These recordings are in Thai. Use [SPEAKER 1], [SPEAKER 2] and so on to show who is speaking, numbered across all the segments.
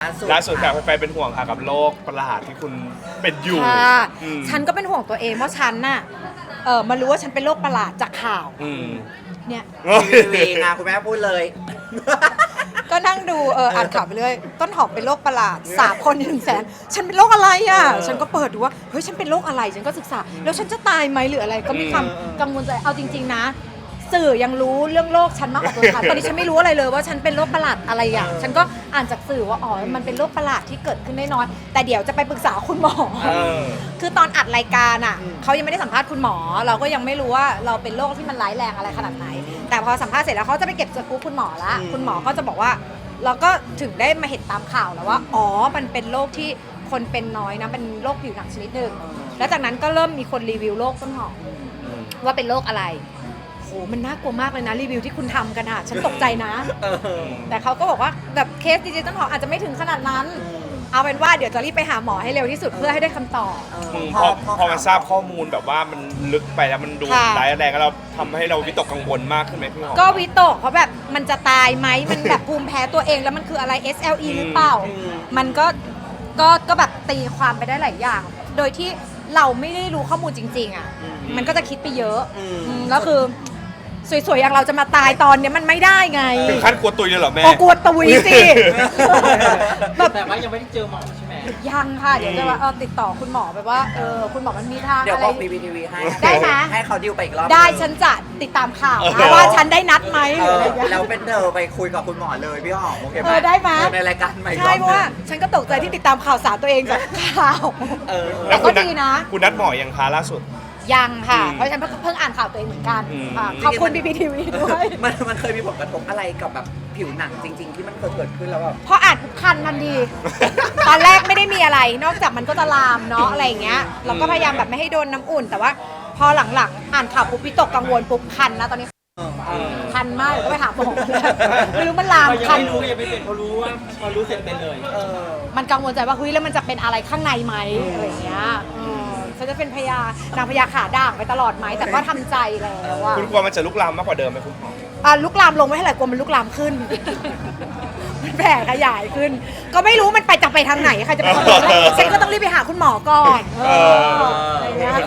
[SPEAKER 1] ล่าสุดค่ะแฟนๆเป็นห่วงค่ะกับโรคประหลาดที่คุณเป็นอยู่
[SPEAKER 2] ฉันก็เป็นห่วงตัวเองว่าฉันน่ะมารู้ว่าฉันเป็นโรคประหลาดจากข่าวเนี่ย
[SPEAKER 3] ทีวีนะคุณแม่พูดเลย
[SPEAKER 2] ก็นั่งดูอ่านข่าวไปเรื่อยต้นหอมเป็นโรคประหลาด3 คนใน100,000ฉันเป็นโรคอะไรอ่ะฉันก็เปิดดูว่าเฮ้ยฉันเป็นโรคอะไรฉันก็ศึกษาแล้วฉันจะตายไหมหรืออะไรก็มีความกังวลใจเอาจริงๆนะสื่อยังรู้เรื่องโรคฉันมากกว่าตัวฉันตอนนี้ฉันไม่รู้อะไรเลยว่าฉันเป็นโรคประหลาดอะไรอ่ะฉันก็อ่านจากสื่อว่าอ๋อมันเป็นโรคประหลาดที่เกิดขึ้นได้น้อยแต่เดี๋ยวจะไปปรึกษาคุณหมอคือตอนอัดรายการอ่ะเขายังไม่ได้สัมภาษณ์คุณหมอเราก็ยังไม่รู้ว่าเราเป็นโรคที่มันร้ายแรงอะไรขนาดไหนแต่พอสัมภาษณ์เสร็จแล้วเขาจะไปเก็บสกู๊ปคุณหมอละคุณหมอก็จะบอกว่าเราก็ถึงได้มาเห็นตามข่าวแล้วว่าอ๋อมันเป็นโรคที่คนเป็นน้อยนะเป็นโรคผิวหนังชนิดหนึ่งแล้วจากนั้นก็เริ่มมีคนรีวิวโรคต้นหอมว่าเป็นโรคอะไรโอ้มันน่ากลัวมากเลยนะรีวิวที่คุณทำกันอะฉันตกใจนะแต่เขาก็บอกว่าแบบเคสดีเจต้นหอมอาจจะไม่ถึงขนาดนั้นเอาเป็นว่าเดี๋ยวจะรีบไปหาหมอให้เร็วที่สุดเพื่อให้ได้คำตอบ
[SPEAKER 1] พอมันทราบข้อมูลแบบว่ามันลึกไปแล้วมันดูร้ายแรงแล้วเราทำให้เราวิตกกังวลมากขึ้นไหมพี่หอม
[SPEAKER 2] ก็วิตกเพราะแบบมันจะตายไหมมันแบบภูมิแพ้ตัวเองแล้วมันคืออะไร SLE หรือเปล่ามันก็แบบตีความไปได้หลายอย่าง โดยที่เราไม่ได้รู้ข้อมูลจริงๆอ่ะมันก็จะคิดไปเยอะแล้วคือสวยๆอย่างเราจะมาตายตอนนี้มันไม่ได้ไง
[SPEAKER 1] ถึงขั้นกลัวตุยเลยเหรอแม่
[SPEAKER 2] กลัวตุยสิ
[SPEAKER 4] แต่ว่ายังไม่ได้เจอหมอใช่ไหม
[SPEAKER 2] ยังค่ะเดี๋ยวจะว่าติดต่อคุณหมอแบบว่าคุณหมอมันมีทาง
[SPEAKER 3] เดี๋ยวบอก PPTV ให้ได้ไหมให้เขาดิวไปอีกรอบ
[SPEAKER 2] ได้ฉันจะติดตามข่าวนะว่าฉันได้นัดไหมหรืออะไรอย่างเงี้ย
[SPEAKER 3] แล้วเป็นเธอไปคุยกับคุณหมอเลยพี่หอมโอเคไหม
[SPEAKER 2] ได้ไหม
[SPEAKER 3] ในรายการใหม่
[SPEAKER 2] ใช่เพราะว่าฉันก็ตกใจที่ติดตามข่าวสารตัวเองจากข่าวแต่ก็ดีนะ
[SPEAKER 1] คุณนัดหมอยังคะล่าสุด
[SPEAKER 2] ยังค่ะเพราะฉันเพิ่งอ่านข่าวตัวเองเหมือนกันขอบคุณ BBTV ด้วย
[SPEAKER 3] มันเคยมีผลกระทบอะไรกับแบบผิวหนังจริงๆที่มันเคยเกิดขึ้นแล้วแบบ
[SPEAKER 2] พออ่านคันทันทีตอนแรกไม่ได้มีอะไรนอกจากมันก็จะลามเนาะอะไรอย่างเงี้ยเราก็พยายามแบบไม่ให้โดนน้ำอุ่นแต่ว่าพอหลังๆอ่านข่าวปุ๊บวิตกกังวลปุ๊บคันนะตอนนี้คันมากเดี๋ยวก็ไปหาหมอไม่รู้มันลามคัน
[SPEAKER 4] รู้ยังไม่เป็นเขารู้ว่าพอรู้เสร็จเป็นเลย
[SPEAKER 2] มันกังวลใจว่าเฮ้ยแล้วมันจะเป็นอะไรข้างในไหมอะไรอย่างเงี้ยฉันจะเป็นนางพญาขาด่างไปตลอดไหมแต่ก็ทำใจแล้วว่า
[SPEAKER 1] คุณกลัวมันจะลุกลามมากกว่าเดิมไหมคุณหม
[SPEAKER 2] อลุกลามลงไม่เท่าไหร่กลัวมันลุกลามขึ้นมันแผ่ขยายขึ้นก็ไม่รู้มันจะไปทางไหนใครจะไปรู้ฉันก็ต้องรีบไปหาคุณหมอก่อนอะไรเงี้ย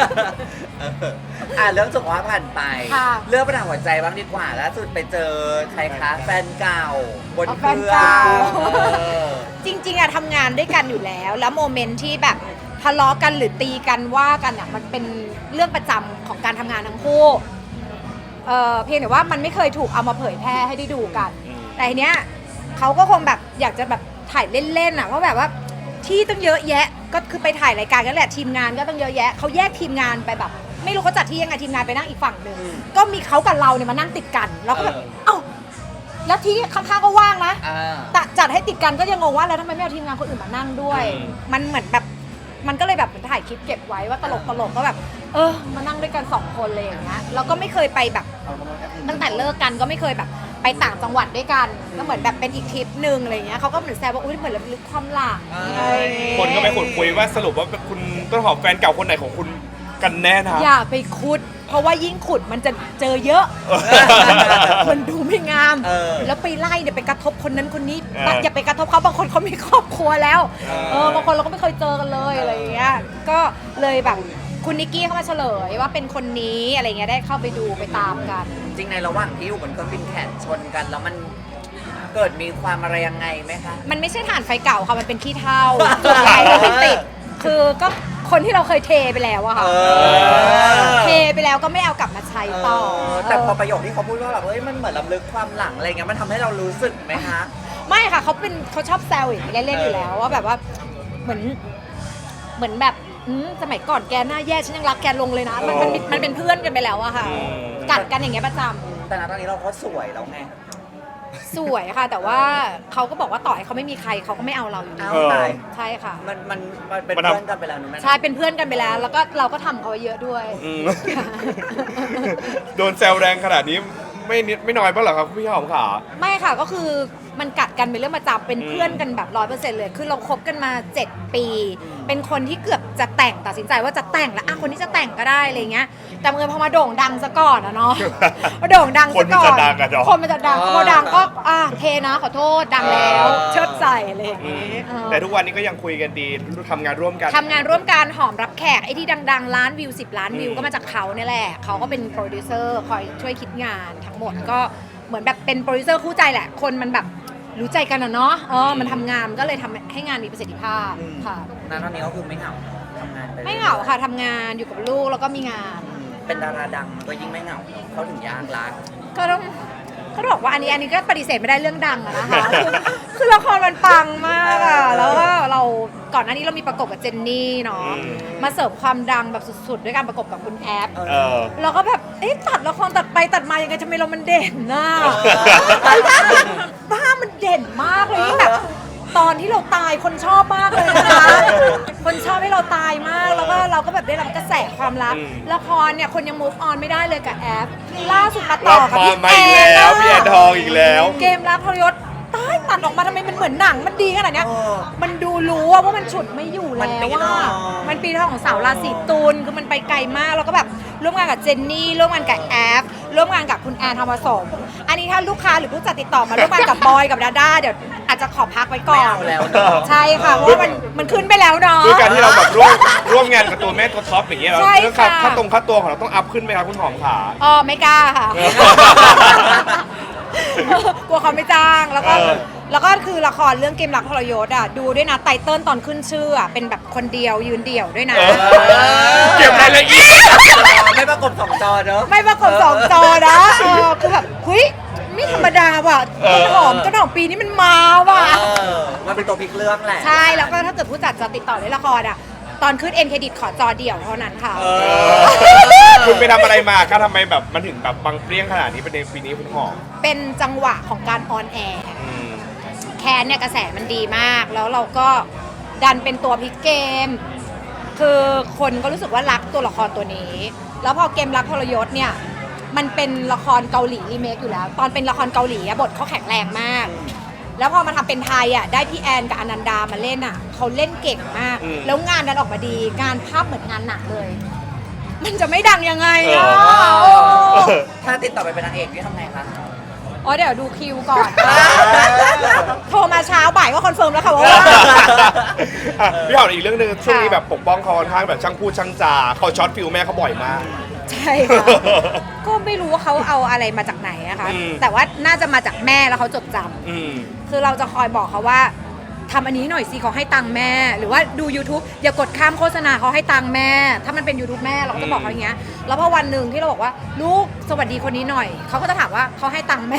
[SPEAKER 3] เรื่องสุขภาพผ่านไปเรื่องปัญหาหัวใจบ้างดีกว่าล่าสุดไปเจอใครคะแฟนเก่าบนเครื่อง
[SPEAKER 2] จริงๆอะทำงานด้วยกันอยู่แล้วโมเมนต์ที่แบบทะเลาะกันหรือตีกันว่ากันอะมันเป็นเรื่องประจำของการทำงานทั้งคู่เพียงแต่ว่ามันไม่เคยถูกเอามาเผยแพร่ให้ได้ดูกันแต่ทีเนี้ยเขาก็คงแบบอยากจะแบบถ่ายเล่นๆอะเพราะแบบว่าที่ต้องเยอะแยะก็คือไปถ่ายรายการกันแหละทีมงานก็ต้องเยอะแยะเขาแยกทีมงานไปแบบไม่รู้เขาจัดที่ยังไงทีมงานไปนั่งอีกฝั่งหนึ่งก็มีเขากับเราเนี่ยมานั่งติดกันแล้วก็แบบเอ้าแล้วที่ข้างๆก็ว่างนะแต่จัดให้ติดกันก็ยังงงว่าแล้วทำไมไม่เอาทีมงานคนอื่นมานั่งด้วยมันเหมือนแบบมันก็เลยแบบเหมือนถ่ายคลิปเก็บไว้ว่าตลกก็แบบมานั่งด้วยกัน2 คนเลยอย่างเงี้ยเราก็ไม่เคยไปแบบตั้งแต่เลิกกันก็ไม่เคยแบบไปต่างจังหวัดด้วยกันก็เหมือนแบบเป็นอีกทริปนึงอะไรเงี้ยเขาก็เหมือนแซวว่าอุ้ยเหมือนลึกความหลัง
[SPEAKER 1] คนก็ไปขุดคุยว่าสรุปว่าคุณต้นหอมแฟนเก่าคนไหนของคุณกันแน่นะ
[SPEAKER 2] อย่าไปขุดเพราะว่ายิ่งขุดมันจะเจอเยอะมันดูไม่งามแล้วไปไล่เดี๋ยวไปกระทบคนนั้นคนนี้อย่าไปกระทบเขาบางคนเขามีครอบครัวแล้วบางคนเราก็ไม่เคยเจอกันเลยอะไรอย่างเงี้ยก็เลยแบบคุณนิกกี้เข้ามาเฉลยว่าเป็นคนนี้อะไรเงี้ยได้เข้าไปดูไปตามกัน
[SPEAKER 3] จริงในระหว่างที่อยู่บนเครื่องบินแข่งชนกันแล้วมันเกิดมีความอะไรยังไงไหมคะ
[SPEAKER 2] มันไม่ใช่ถ่านไฟเก่าค่ะมันเป็นขี้เถ้าจุดไฟแล้วไม่ติดคือก็คนที่เราเคยเทไปแล้วอะค่ะเทไปแล้วก็ไม่เอากลับมาใช้ต่อ
[SPEAKER 3] แต่พอประโยคที่เขาพูดว่าแบบมันเหมือนรำลึกความหลังอะไรเงี้ยมันทำให้เรารู้สึกไหมคะ
[SPEAKER 2] ไม่ค่ะเขาชอบแซวอย่างนี้เล่นๆอยู่แล้วว่าแบบว่าเหมือนแบบสมัยก่อนแกหน้าแย่ฉันยังรักแกลงเลยนะมันเป็นเพื่อนกันไปแล้วอะค่ะกัดกันอย่างเงี้ยประจำ
[SPEAKER 3] แต่ณตอนนี้เราก็สวยแล้วไง
[SPEAKER 2] สวยค่ะแต่ว่าเขาก็บอกว่าต่อให้เขาไม่มีใครเขาก็ไม่เอาเราอยู่ดีใช่ค่ะ
[SPEAKER 3] มันเป็นเพื่อนกันไปแล้วนะแม่
[SPEAKER 2] ใช่เป็นเพื่อนกันไปแล้วแล้วก็เราก็ทำเขาเยอะด้วย
[SPEAKER 1] โดนแซวแรงขนาดนี้ไม่น้อยบ้างเหรอครับพี่หอมขา
[SPEAKER 2] ไม่ค่ะก็คือมันกัดกันเป็นเรื่องประจำเป็นเพื่อนกันแบบ100%เลยคือเราคบกันมา 7 ปี เป็นคนที่เกือบจะแต่งตัดสินใจว่าจะแต่งแล้วคนที่จะแต่งก็ได้อะไรเงี้ยแต่เมื่อพอมาโด่งดังซะก่อนอะเนาะ พอโด่งดังซะก่อน
[SPEAKER 1] คนมันจะดังอะเนาะ
[SPEAKER 2] คนมันจะดังพอดังก็เทนะขอโทษดังแล้วเชิดใส่อะไรอย่างงี้
[SPEAKER 1] แต่ทุกวันนี้ก็ยังคุยกันดีทำงานร่วมกัน
[SPEAKER 2] ทำงานร่วมกันหอมรับแขกไอ้ที่ดังๆล้านวิว10 ล้านวิวก็มาจากเขาเนี่ยแหละเขาก็เป็นโปรดิวเซอร์คอยช่วยคิดงานทั้งหมดก็เหมือนแบบเป็นโปรดิวเซอร์คู่ใจแหละคนมันแบบรู้ใจกันอะเนาะมันทำงานก็เลยทำให้งานมีประสิทธิภาพค่ะ
[SPEAKER 3] นั่นตอนนี้ก็คือไม่เหงาทำงานป
[SPEAKER 2] ไม่เหงาค่ะทำงานอยู่กับลูกแล้วก็มีงาน
[SPEAKER 3] เป็นดาราดังก็ยิ่งไม่เหงาเขาถึงยากรัก
[SPEAKER 2] ก็ต้องบอกว่าอันนี้ก็ปฏิเสธไม่ได้เรื่องดังอะนะคะ คือละครมันปังมากอะแล้วก็เราก่อนหน้านี้เรามีประกบกับเจนนี่เนาะมาเสิร์ฟความดังแบบสุดๆด้วยการประกบกับคุณแอฟ เราก็แบบตัดละครตัดไปตัดมายังไงทำไมเรามันเด่นน่ะบ้ามันเด่นมากเลยยิ่งแบบตอนที่เราตายคนชอบมากเลยนะคะคนชอบให้เราตายมากแล้วก็เราก็แบบได้รับกระแสความรักละครเนี่ยคนยัง move on ไม่ได้เลยกับแอฟล่าสุดมาต่
[SPEAKER 1] รั
[SPEAKER 2] อบ กับ
[SPEAKER 1] มา
[SPEAKER 2] พี่
[SPEAKER 1] มา
[SPEAKER 2] แอ
[SPEAKER 1] อีก
[SPEAKER 2] น
[SPEAKER 1] แล้วพี่แอนทองอีกแล้ว
[SPEAKER 2] เกมรักทรยศตายตัดออกมาทำไมมันเหมือนหนังมันดีขนาดเนี้ยมันดูรู้ว่ามันฉุดไม่อยู่แล้วว่ามันปีทองของสาวราศีตุลคือมันไปไกลมากแล้วก็แบบร่วมงานกับเจนนี่ร่วมงานกับแอฟร่วมงานกับคุณแอนทองผสมอันนี้ถ้าลูกค้าหรือผู้จัดติดต่อมาร่วมงานกับบอยกับดาด้าเดี๋ยวอาจจะขอพักไว้ก่อน
[SPEAKER 3] ไม่เอาแล้วเนอะ
[SPEAKER 2] ใช่ค่ะเพราะว่ามันขึ้นไปแล้วเนาะ
[SPEAKER 1] ด้วยการที่เราแบบร่วมงานกับตัวแม่ตัวท็อปอย่างเงี้ยเรา
[SPEAKER 2] ใช่
[SPEAKER 1] เรื่อง
[SPEAKER 2] ค่ะ
[SPEAKER 1] ค่าตัวของเราต้องอัพขึ้นไหมครับคุณหอมขา
[SPEAKER 2] ไม่กล้าค่ะ กลัวเขาไม่จ้างแล้วก็ แล้วก็คือละครเรื่องเกมรักทรยศดูด้วยนะไตเติ้ลตอนขึ้นชื่อเป็นแบบคนเดียวยืนเดี่ยวด้วยนะ
[SPEAKER 1] เก็บรายละเอียด
[SPEAKER 3] ไม่ประกบสองจอเนอะ
[SPEAKER 2] ไม่ประกบ2 จอนะคือแบบเฮ้ยไม่ธรรมดาว่ะต้นหอมปีนี้มันมาว่ะ
[SPEAKER 3] มันเป็นตัวพลิกเรื่องแหละ
[SPEAKER 2] ใช่แล้วก็ถ้าเกิดผู้จัดจะติดต่อเล่นละครตอนขึ้นเอ็นเครดิตขอจอเดี่ยวเท่านั้นค่ะ
[SPEAKER 1] คุณไปทำอะไรมาคะทำไมแบบมันถึงแบบบังเปรี้ยงขนาดนี้เป็นในปีนี้คุณหอม
[SPEAKER 2] เป็นจังหวะของการออนแอร์แคนเนี่ยกระแสมันดีมากแล้วเราก็ดันเป็นตัวพลิกเกม คือคนก็รู้สึกว่ารักตัวละครตัวนี้ แล้วพอเกมรักทรยศเนี่ยมันเป็นละครเกาหลีรีเมคอยู่แล้ว ตอนเป็นละครเกาหลีบทเขาแข็งแรงมาก แล้วพอมาทำเป็นไทยได้พี่แอนกับอนันดามาเล่นเขาเล่นเก่งมาก แล้วงานดันออกมาดีงานภาพเหมือนงานหนักเลย มันจะไม่ดังยังไง
[SPEAKER 3] ถ้าติดต่อไปเป็นนางเอกนี่ทำไงคะ
[SPEAKER 2] เดี๋ยวดูคิวก่อน โทรมาเช้าบ่ายก็คอนเฟิร์มแล้วค่ะว่า
[SPEAKER 1] พี่หอมอีกเรื่องหนึงช่วงนี้แบบปกป้องเขาค่อนข้างแบบช่างพูดช่างจาเขาช็อตฟิลแม่เขาบ่อยมาก
[SPEAKER 2] ใช่ค่ะ ก็ไม่รู้ว่าเขาเอาอะไรมาจากไหนนะคะ แต่ว่าน่าจะมาจากแม่แล้วเขาจดจำคือเราจะคอยบอกเขาว่าทำอันนี้หน่อยสิเขาให้ตังค์แม่ หรือว่าดู YouTube อย่ากดข้ามโฆษณาเขาให้ตังค์แม่ ถ้ามันเป็น YouTube แม่เราก็จะบอกเขาอย่างเงี้ยแล้วพอวันหนึ่งที่เราบอกว่าลูกสวัสดีคนนี้หน่อยเขาก็จะถามว่าเขาให้ตังค์แม่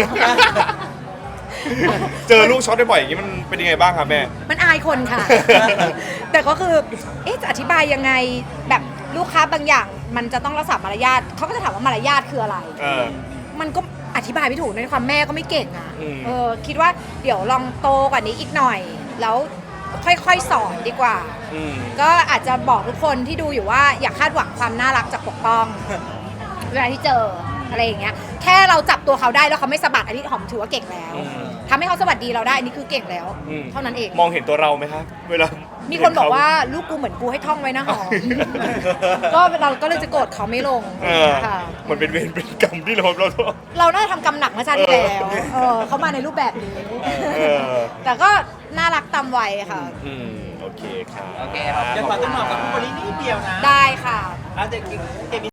[SPEAKER 1] เจอลูกช็อตบ่อยๆอย่างนี้มันเป็นยังไงบ้างครับแม่
[SPEAKER 2] มันอายคนค่ะ แต่ก็คือจะอธิบายยังไงแบบลูกค้าบางอย่างมันจะต้องรักษามารยาทเขาก็จะถามว่ามารยาทคืออะไร มันก็อธิบายไม่ถูกในความแม่ก็ไม่เก่งคิดว่าเดี๋ยวลองโตกว่านี้อีกหน่อย แล้วค่อยๆสอนดีกว่า ก็อาจจะบอกทุกคนที่ดูอยู่ว่าอย่าคาดหวังความน่ารักจากปกป้อง เวลาที่เจออะไรอย่างเงี้ยแค่เราจับตัวเขาได้แล้วเขาไม่สะบัดอันนี้หอมถือว่าเก่งแล้วทำให้เขาสวัสดีเราได้อันนี้คือเก่งแล้ว เท่านั้นเอง
[SPEAKER 1] มองเห็นตัวเราไหมคะเวลา
[SPEAKER 2] มีคนบอกว่าลูกกูเหมือนกูให้ท่องไว้นะหอม ก็เราก็เลยจะโกรธเขาไม่ลงค่ะ
[SPEAKER 1] เหมือนเป็นเวรเป็นกรรมที่เรา
[SPEAKER 2] เราน่าจะทำกรรมหนักเมื่อชาติที่แล้วเขามาในรูปแบบนี้ แต่ก็น่ารักตามวัยค่ะ
[SPEAKER 1] โอเคครับ
[SPEAKER 3] โอเคครับ
[SPEAKER 4] เดี๋ยวขอต้นหอมกับผู้บรินิดเดียวนะ
[SPEAKER 2] ได้ค่ะ
[SPEAKER 4] เด็ก